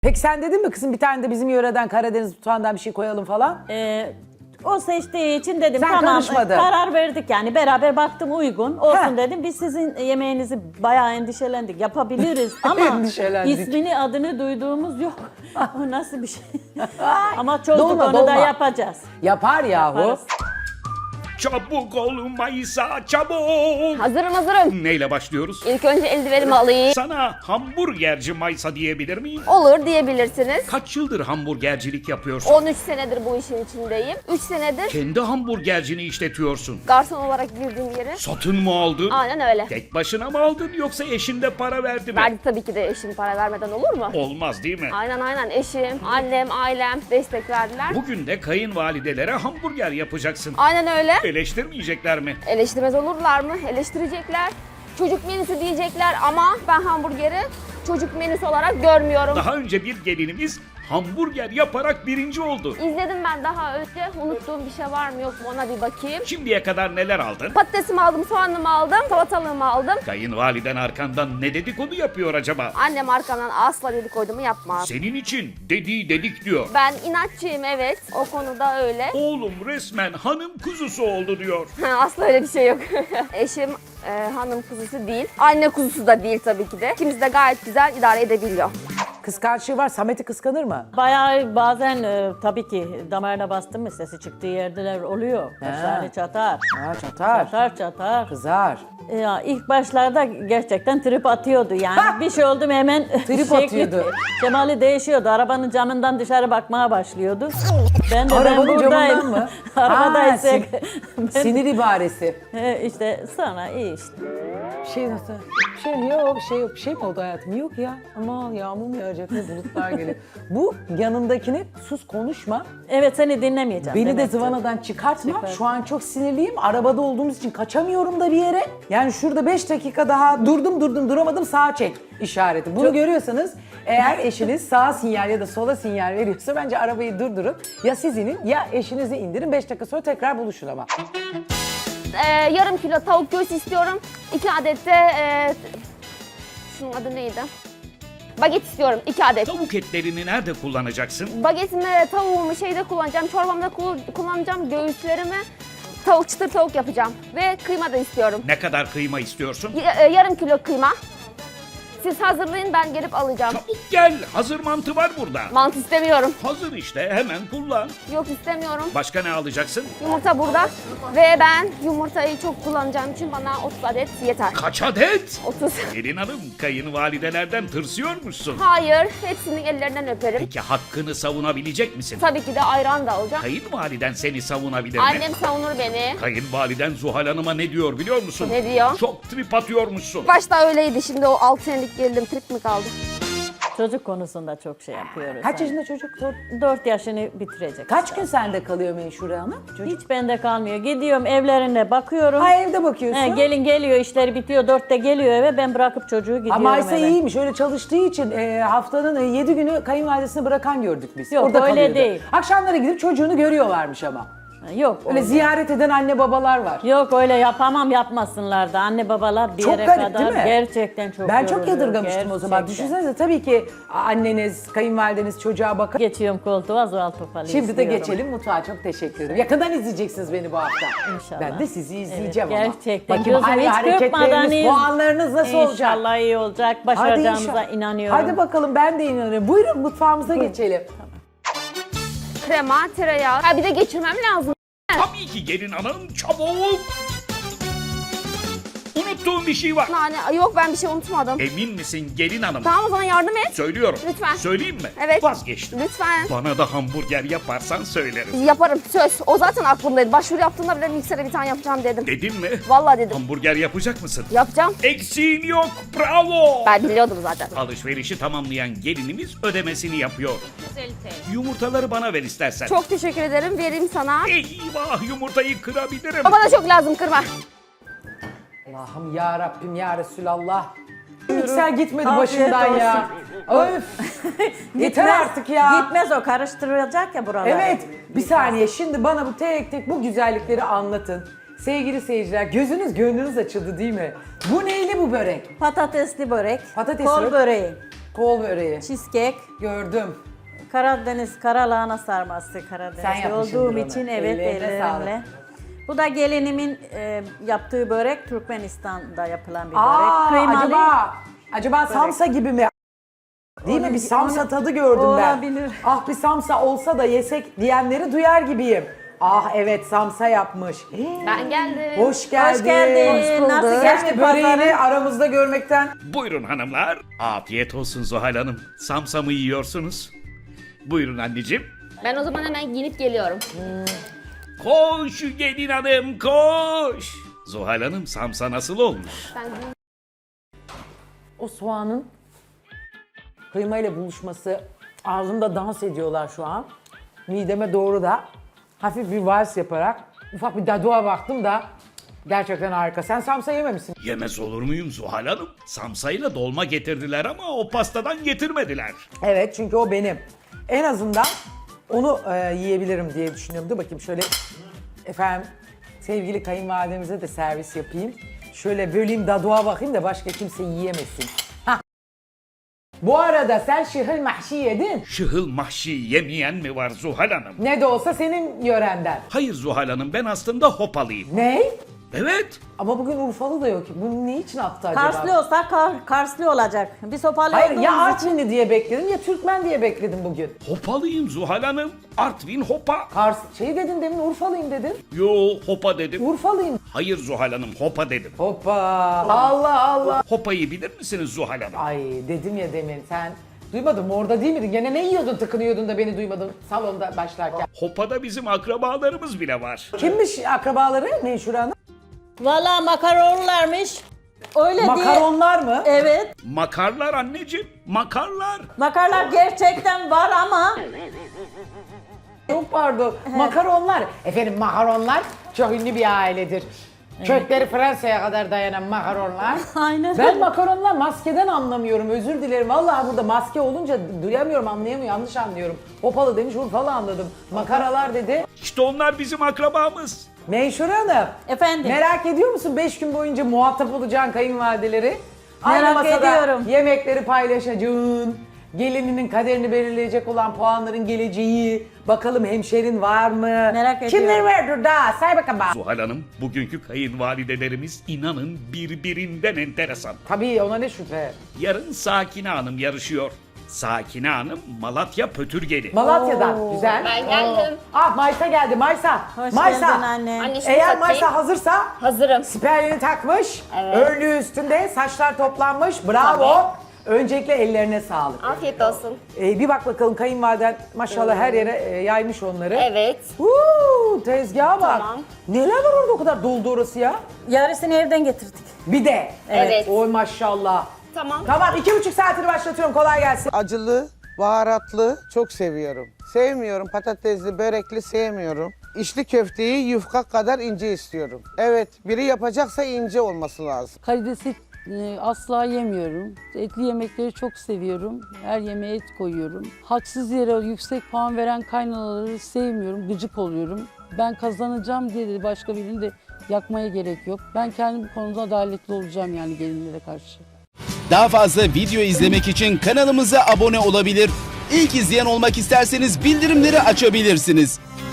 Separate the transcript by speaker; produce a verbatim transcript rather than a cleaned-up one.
Speaker 1: Peki sen dedin mi kızım bir tane de bizim yöreden Karadeniz mutfağından bir şey koyalım falan?
Speaker 2: Ee, o seçtiği için dedim
Speaker 1: Sen
Speaker 2: tamam
Speaker 1: karışmadın.
Speaker 2: karar verdik yani beraber baktım uygun olsun
Speaker 1: Heh.
Speaker 2: dedim. Biz sizin yemeğinizi bayağı endişelendik yapabiliriz ama
Speaker 1: Endişelendik.
Speaker 2: ismini adını duyduğumuz yok. O nasıl bir şey? Ama çözdük
Speaker 1: Dolma,
Speaker 2: onu da
Speaker 1: dolma.
Speaker 2: yapacağız.
Speaker 1: Yapar yahu.
Speaker 2: Yaparız.
Speaker 3: Çabuk ol Maysa, çabuk.
Speaker 4: Hazırım hazırım.
Speaker 3: Neyle başlıyoruz?
Speaker 4: İlk önce eldivenimi alayım.
Speaker 3: Sana hamburgerci Maysa diyebilir miyim?
Speaker 4: Olur diyebilirsiniz.
Speaker 3: Kaç yıldır hamburgercilik yapıyorsun?
Speaker 4: on üç senedir bu işin içindeyim. üç senedir
Speaker 3: Kendi hamburgercini işletiyorsun.
Speaker 4: garson olarak girdiğim yere.
Speaker 3: Satın mı aldın?
Speaker 4: Aynen öyle.
Speaker 3: Tek başına mı aldın yoksa eşin de para verdi mi?
Speaker 4: Verdi tabii ki de eşim para vermeden olur mu?
Speaker 3: Olmaz değil mi?
Speaker 4: Aynen aynen eşim, annem, ailem destek verdiler.
Speaker 3: Bugün de kayınvalidelere hamburger yapacaksın.
Speaker 4: Aynen öyle.
Speaker 3: Eleştirmeyecekler mi?
Speaker 4: Eleştirmez olurlar mı? Eleştirecekler. Çocuk menüsü diyecekler ama ben hamburgeri çocuk menüsü olarak görmüyorum.
Speaker 3: Daha önce bir gelinimiz hamburger yaparak birinci oldu.
Speaker 4: İzledim ben daha önce. Unuttuğum bir şey var mı yok mu ona bir bakayım.
Speaker 3: Şimdiye kadar neler aldın?
Speaker 4: Patatesimi aldım, soğanımı aldım, salatalığımı aldım.
Speaker 3: Kayınvaliden arkandan ne dedikodu yapıyor acaba?
Speaker 4: Annem arkamdan asla dedikodumu yapmaz.
Speaker 3: Senin için dediği dedik diyor.
Speaker 4: Ben inatçıyım evet. O konuda öyle.
Speaker 3: Oğlum resmen hanım kuzusu oldu diyor.
Speaker 4: Asla öyle bir şey yok. Eşim e, hanım kuzusu değil. Anne kuzusu da değil tabii ki de. İkimiz de gayet güzel idare edebiliyor.
Speaker 1: Kıskançlığı var. Samet'i kıskanır mı?
Speaker 2: Bayağı bazen e, tabii ki damarına bastım mı sesi çıktığı yerdeler oluyor.
Speaker 1: Ha.
Speaker 2: Kaşlarını çatar.
Speaker 1: Ha çatar.
Speaker 2: Çatar çatar.
Speaker 1: Kızar.
Speaker 2: Ya ilk başlarda gerçekten trip atıyordu yani. Bir şey oldu mu hemen
Speaker 1: Trip atıyordu.
Speaker 2: Cemali değişiyordu. Arabanın camından dışarı bakmaya başlıyordu. Ben de
Speaker 1: Arabanın
Speaker 2: ben buradayım.
Speaker 1: camından mı?
Speaker 2: Arabadaysak.
Speaker 1: Ha,
Speaker 2: ben-
Speaker 1: Sinir ibaresi.
Speaker 2: He, işte sonra iyi işte.
Speaker 1: Bir şey nasıl? Bir şey yok, bir şey yok. Bir şey mi oldu hayatım? Yok ya. Aman yağmur mu yağacak ne bulutlar geliyor. Bu yanındakine sus konuşma.
Speaker 2: Evet seni dinlemeyeceğim.
Speaker 1: Beni de
Speaker 2: demek ki.
Speaker 1: zıvanadan çıkartma.
Speaker 2: Çıkar.
Speaker 1: Şu an çok sinirliyim. Arabada olduğumuz için kaçamıyorum da bir yere. Yani şurada beş dakika daha durdum durdum duramadım sağa çek işareti. Bunu görüyorsanız eğer eşiniz sağa sinyal ya da sola sinyal veriyorsa bence arabayı durdurun. Ya siz inin ya eşinizi indirin. beş dakika sonra tekrar buluşun ama.
Speaker 4: Ee, yarım kilo tavuk göğsü istiyorum. iki adet de e, şunun adı neydi? Baget istiyorum. iki adet.
Speaker 3: Tavuk etlerini nerede kullanacaksın?
Speaker 4: Bagetimi, tavuğumu şeyde kullanacağım. Çorbamda kul- kullanacağım. Göğüslerimi tavuk çıtır tavuk yapacağım. Ve kıyma da istiyorum.
Speaker 3: Ne kadar kıyma istiyorsun?
Speaker 4: Y- e, yarım kilo kıyma. Siz hazırlayın ben gelip alacağım.
Speaker 3: Çabuk gel. Hazır mantı var burada.
Speaker 4: Mantı istemiyorum.
Speaker 3: Hazır işte. Hemen kullan.
Speaker 4: Yok istemiyorum.
Speaker 3: Başka ne alacaksın?
Speaker 4: Yumurta burada. Ve ben yumurtayı çok kullanacağım için bana otuz adet yeter.
Speaker 3: Kaç adet?
Speaker 4: otuz.
Speaker 3: Gelin hanım kayınvalidelerden tırsıyormuşsun.
Speaker 4: Hayır, hepsinin ellerinden öperim.
Speaker 3: Peki hakkını savunabilecek misin?
Speaker 4: Tabii ki de ayran da alacağım.
Speaker 3: Kayınvaliden seni savunabilir mi?
Speaker 4: Annem savunur beni.
Speaker 3: Kayınvaliden Zuhal Hanım'a ne diyor biliyor musun?
Speaker 4: Ne diyor?
Speaker 3: Çok trip atıyormuşsun.
Speaker 4: Başta öyleydi, şimdi o altı senelik gerilim trip mi kaldı?
Speaker 2: Çocuk konusunda çok şey yapıyoruz.
Speaker 1: Kaç
Speaker 2: hani.
Speaker 1: yaşında çocuk? Dur.
Speaker 2: Dört yaşını bitirecek.
Speaker 1: Kaç gün sende kalıyor Menşure Hanım? Çocuk.
Speaker 2: Hiç bende kalmıyor. Gidiyorum evlerine bakıyorum.
Speaker 1: Ha evde bakıyorsun.
Speaker 2: He, gelin geliyor işleri bitiyor dörtte geliyor eve ben bırakıp çocuğu gidiyorum
Speaker 1: Ama Ayşe
Speaker 2: eve.
Speaker 1: iyiymiş. Öyle çalıştığı için e, haftanın e, yedi günü kayınvalidesini bırakan gördük biz.
Speaker 2: Yok,
Speaker 1: Orada
Speaker 2: öyle
Speaker 1: kalıyordu.
Speaker 2: değil.
Speaker 1: Akşamları gidip çocuğunu görüyorlarmış ama.
Speaker 2: Yok
Speaker 1: Öyle
Speaker 2: öyle.
Speaker 1: ziyaret eden anne babalar var.
Speaker 2: Yok öyle yapamam yapmasınlar da anne babalar bir
Speaker 1: Çok
Speaker 2: yere
Speaker 1: garip
Speaker 2: kadar
Speaker 1: değil mi?
Speaker 2: gerçekten çok
Speaker 1: Ben çok
Speaker 2: yoruluyor,
Speaker 1: yadırgamıştım o zaman.
Speaker 2: gerçekten.
Speaker 1: Düşünsenize tabii ki anneniz, kayınvalideniz çocuğa bakar.
Speaker 2: Geçiyorum koltuğa Zuhal Topal'ı
Speaker 1: Şimdi de
Speaker 2: istiyorum.
Speaker 1: geçelim mutfağa. Çok teşekkür ederim. Yakından izleyeceksiniz beni bu hafta.
Speaker 2: İnşallah.
Speaker 1: Ben de sizi
Speaker 2: Evet,
Speaker 1: izleyeceğim ama.
Speaker 2: gerçekten.
Speaker 1: Bakayım
Speaker 2: Gözüm
Speaker 1: hangi
Speaker 2: hiç kırpmadan
Speaker 1: hareketleriniz,
Speaker 2: iz-
Speaker 1: puanlarınız nasıl olacak?
Speaker 2: İnşallah iyi olacak. Başaracağımıza
Speaker 1: inşallah.
Speaker 2: inanıyorum.
Speaker 1: Hadi bakalım ben de inanıyorum. Buyurun mutfağımıza geçelim.
Speaker 4: Krema, tereyağı. Ha bir de geçirmem lazım.
Speaker 3: Tabii ki gelin hanım çabuk. Unuttuğum bir şey var.
Speaker 4: Nane, Ay, yok ben bir şey unutmadım.
Speaker 3: Emin misin gelin hanım?
Speaker 4: Tamam o zaman yardım et.
Speaker 3: Söylüyorum.
Speaker 4: Lütfen.
Speaker 3: Söyleyeyim mi?
Speaker 4: Evet.
Speaker 3: Vazgeçtim.
Speaker 4: Lütfen.
Speaker 3: Bana da hamburger yaparsan söylerim.
Speaker 4: Yaparım söz. O zaten aklımdaydı. Başvuru yaptığımda bile miksere bir tane yapacağım dedim.
Speaker 3: Dedim mi?
Speaker 4: Vallahi dedim.
Speaker 3: Hamburger yapacak mısın?
Speaker 4: Yapacağım.
Speaker 3: Eksiğin yok. Bravo.
Speaker 4: Ben biliyordum zaten.
Speaker 3: Alışverişi tamamlayan gelinimiz ödemesini yapıyor. Yumurtaları bana ver istersen.
Speaker 4: Çok teşekkür ederim. Vereyim sana.
Speaker 3: Eyvah yumurtayı kırabilirim.
Speaker 4: Bana da çok lazım kırma.
Speaker 1: Allah'ım ya Rabbim ya Resulallah. Mikser gitmedi
Speaker 2: Afiyet
Speaker 1: başımdan ya. Öf. Yeter
Speaker 2: Gitmez-
Speaker 1: artık ya.
Speaker 2: Gitmez o karıştırılacak ya buraları.
Speaker 1: Evet. Bir saniye şimdi bana bu tek tek bu güzellikleri anlatın. Sevgili seyirciler gözünüz gönlünüz açıldı değil mi? Bu neyli bu börek?
Speaker 2: Patatesli börek,
Speaker 1: Patatesli
Speaker 2: kol
Speaker 1: börek.
Speaker 2: böreği.
Speaker 1: Kol böreği.
Speaker 2: cheesecake,
Speaker 1: Gördüm.
Speaker 2: Karadeniz kara lahana sarması
Speaker 1: Sen
Speaker 2: Karadenizli
Speaker 1: yapmışsındır
Speaker 2: olduğum
Speaker 1: onu.
Speaker 2: için evet
Speaker 1: Ellerine
Speaker 2: ellerimle. Bu da gelinimin e, yaptığı börek Türkmenistan'da yapılan bir
Speaker 1: Aa,
Speaker 2: börek.
Speaker 1: acaba acaba samsa gibi mi? Değil mi?
Speaker 2: Onu-
Speaker 1: Bir samsa
Speaker 2: onu-
Speaker 1: tadı gördüm ben.
Speaker 2: Olabilir.
Speaker 1: Ah bir samsa olsa da yesek diyenleri duyar gibiyim. Ah evet samsa yapmış.
Speaker 4: Ben geldim.
Speaker 1: Hoş geldin.
Speaker 2: Hoş geldin. Nasıl
Speaker 1: Sen
Speaker 2: geçti
Speaker 1: de böreğini
Speaker 2: pazarın?
Speaker 1: aramızda görmekten.
Speaker 3: Buyurun hanımlar. Afiyet olsun Zuhal Hanım. Samsamı yiyorsunuz. Buyurun anneciğim.
Speaker 4: Ben o zaman hemen giyinip geliyorum.
Speaker 3: Koş gelin hanım koş. Zuhal Hanım samsa nasıl olmuş?
Speaker 4: Ben giyinip-
Speaker 1: O soğanın kıymayla buluşması ağzımda dans ediyorlar şu an. Mideme doğru da hafif bir vals yaparak ufak bir dadua baktım da gerçekten harika. Sen samsa yememişsin.
Speaker 3: Yemez olur muyum Zuhal Hanım? Samsayla dolma getirdiler ama o pastadan getirmediler.
Speaker 1: Evet çünkü o benim. En azından onu e, yiyebilirim diye düşünüyorum. Dur bakayım şöyle efendim sevgili kayınvalidemize de servis yapayım. Şöyle böleyim dadua bakayım da başka kimse yiyemesin. Hah. Bu arada sen şıhıl mahşi yedin.
Speaker 3: Şıhıl mahşi yemeyen mi var Zuhal Hanım?
Speaker 1: Ne de olsa senin yörenden.
Speaker 3: Hayır Zuhal Hanım ben aslında Hopalıyım.
Speaker 1: Ne?
Speaker 3: Evet.
Speaker 1: Ama bugün Urfalı da yok ki. Bunu ne için attı acaba?
Speaker 2: Karslı olsa kar, Karslı olacak. Biz hopalı
Speaker 1: Hayır
Speaker 2: olduğumuz
Speaker 1: ya
Speaker 2: için-
Speaker 1: Artvinli diye bekledim ya Türkmen diye bekledim bugün.
Speaker 3: Hopalıyım Zuhal Hanım. Artvin Hopa.
Speaker 1: Kars şey dedin demin Urfalıyım dedin.
Speaker 3: Yo Hopa dedim.
Speaker 1: Urfalıyım.
Speaker 3: Hayır Zuhal Hanım Hopa dedim.
Speaker 1: Hoppa Allah Allah.
Speaker 3: Hopa'yı bilir misiniz Zuhal Hanım?
Speaker 1: Ay dedim ya demin sen duymadın mı orada değil miydin? Gene ne yiyordun tıkınıyordun da beni duymadın salonda başlarken.
Speaker 3: Hopa'da bizim akrabalarımız bile var.
Speaker 1: Kimmiş akrabaları Menşure Hanım?
Speaker 2: Valla makaronlarmış. Öyle diye.
Speaker 1: Makaronlar mı?
Speaker 2: Evet.
Speaker 3: Makarlar anneciğim. Makarlar.
Speaker 2: Makarlar gerçekten var ama
Speaker 1: Çok pardon. Makaronlar. Efendim makaronlar çok ünlü bir ailedir. Kökleri Fransa'ya kadar dayanan makaronlar.
Speaker 2: Aynen.
Speaker 1: Ben makaronlar maskeden anlamıyorum. Özür dilerim. Vallahi burada maske olunca duyamıyorum, anlayamıyorum. Yanlış anlıyorum. Hopalı demiş, Urfalı anladım. Makaralar dedi.
Speaker 3: İşte onlar bizim akrabamız.
Speaker 1: Menşure Hanım.
Speaker 2: Efendim?
Speaker 1: Merak ediyor musun beş gün boyunca muhatap olacağın kayınvalideleri? Aynı
Speaker 2: Merak
Speaker 1: masada
Speaker 2: ediyorum.
Speaker 1: yemekleri paylaşacağın, gelininin kaderini belirleyecek olan puanların geleceği, bakalım hemşerin var mı?
Speaker 2: Merak ediyorum.
Speaker 1: Kimler vardır daha? Say bakalım.
Speaker 3: Zuhal Hanım bugünkü kayınvalidelerimiz inanın birbirinden enteresan.
Speaker 1: Tabii ona ne şüphe.
Speaker 3: Yarın Sakine Hanım yarışıyor. Sakine Hanım Malatya Pötürgeli.
Speaker 1: Malatya'dan.
Speaker 2: Oo.
Speaker 1: Güzel.
Speaker 4: Ben geldim.
Speaker 1: Ah Maysa geldi Maysa.
Speaker 2: Hoş
Speaker 1: Maysa.
Speaker 2: geldin anne.
Speaker 4: Anne şunu
Speaker 1: Eğer
Speaker 4: satayım.
Speaker 1: Maysa hazırsa
Speaker 4: Hazırım.
Speaker 1: siperlerini takmış,
Speaker 4: Evet.
Speaker 1: önlüğü üstünde, saçlar toplanmış. Bravo.
Speaker 4: Tabii.
Speaker 1: Öncelikle ellerine sağlık.
Speaker 4: Afiyet olsun.
Speaker 1: Ee, bir bak bakalım kayınvaliden maşallah her yere e, yaymış onları.
Speaker 4: Evet.
Speaker 1: Uuu tezgaha bak.
Speaker 4: Tamam.
Speaker 1: Neler var orada o kadar doldu orası ya?
Speaker 2: Yarısını evden getirdik.
Speaker 1: Bir de.
Speaker 4: Evet.
Speaker 1: Oy maşallah.
Speaker 4: Tamam.
Speaker 1: Tamam iki buçuk saatini başlatıyorum kolay gelsin.
Speaker 5: Acılı, baharatlı çok seviyorum. Sevmiyorum patatesli, börekli sevmiyorum. İçli köfteyi yufka kadar ince istiyorum. Evet, biri yapacaksa ince olması lazım.
Speaker 6: Karidesi e, asla yemiyorum. Etli yemekleri çok seviyorum. Her yemeğe et koyuyorum. Haksız yere yüksek puan veren kaynanaları sevmiyorum. Gıcık oluyorum. Ben kazanacağım diye de başka birini de yakmaya gerek yok. Ben kendim bu konuda adaletli olacağım yani gelinlere karşı.
Speaker 7: Daha fazla video izlemek için kanalımıza abone olabilir. İlk izleyen olmak isterseniz bildirimleri açabilirsiniz.